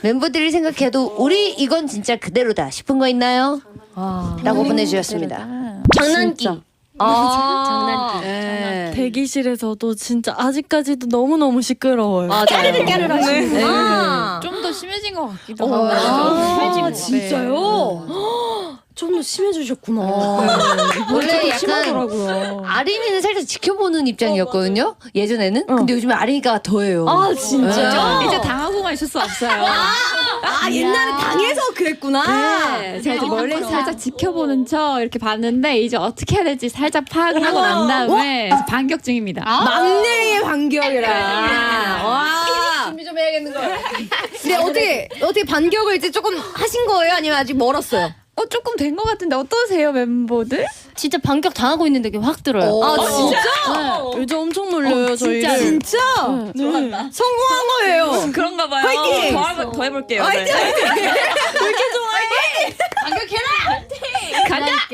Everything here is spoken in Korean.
멤버들이 생각해도 우리 이건 진짜 그대로다 싶은 거 있나요? 라고 보내주셨습니다. 장난기. 장난기. 네. 대기실에서도 진짜 아직까지도 너무너무 시끄러워요. 까르르 까르르 하시는구나. 좀 더 심해진 것 같기도 아, 하고. 진짜요? 좀 더 심해지셨구나. 원래 약간 심하더라고요. 아린이는 살짝 지켜보는 입장이었거든요. 예전에는. 근데 요즘에 아린이가 더해요. 아 진짜? 이제 당하고만 있을 수 없어요. 아 옛날에 당해서 그랬구나. 네, 제가 이제 멀리서 살짝 지켜보는 척 이렇게 봤는데 이제 어떻게 해야 될지 살짝 파악을 하고 난 다음에 반격 중입니다. 막내의 반격이라. 와. 준비 좀 해야겠는 거야. 근데 어떻게 반격을 이제 조금 하신 거예요? 아니면 아직 멀었어요? 조금 된 것 같은데 어떠세요 멤버들? 진짜 반격 당하고 있는 게 확 들어요. 아 진짜? 요즘 엄청 놀려요 저희를. 진짜? 성공한 거예요. 그런가 봐요. 화이팅! 더 해볼게요. 화이팅! 네. 화이팅! 왜 이렇게 좋아해? 간다!